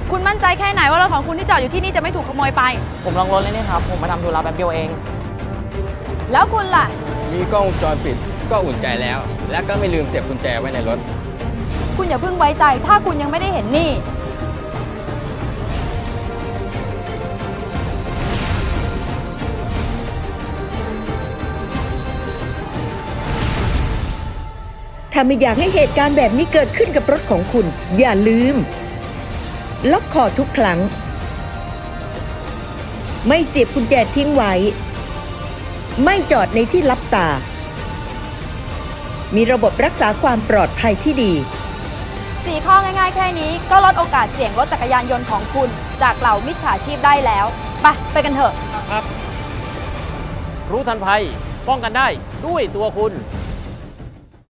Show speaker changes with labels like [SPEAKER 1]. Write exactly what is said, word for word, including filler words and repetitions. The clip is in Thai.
[SPEAKER 1] คุณมั่นใจแค่ไหนว่ารถของคุณที่จอดอยู่ที่นี่จะไม่ถูกขโมยไป
[SPEAKER 2] ผมลองรถเลยนี่ครับผมมาทำธุระแป๊บเดียวเอง
[SPEAKER 1] แล้วคุณล่ะ
[SPEAKER 3] มีกล้องวงจรปิดก็อุ่นใจแล้ว และก็ไม่ลืมเสียบกุญแจไว้ในรถ
[SPEAKER 1] คุณอย่าเพิ่งไว้ใจถ้าคุณยังไม่ได้เห็นนี่
[SPEAKER 4] ถ้าไม่อยากให้เหตุการณ์แบบนี้เกิดขึ้นกับรถของคุณอย่าลืมล็อกคอทุกครั้งไม่เสียบกุญแจทิ้งไว้ไม่จอดในที่ลับตามีระบบรักษาความปลอดภัยที่ดี
[SPEAKER 1] สี่ข้อง่ายๆแค่นี้ก็ลดโอกาสเสี่ยงรถจักรยานยนต์ของคุณจากเหล่ามิจฉาชีพได้แล้วไปไปกันเถอะ
[SPEAKER 5] ครับรู้ทันภัยป้องกันได้ด้วยตัวคุณ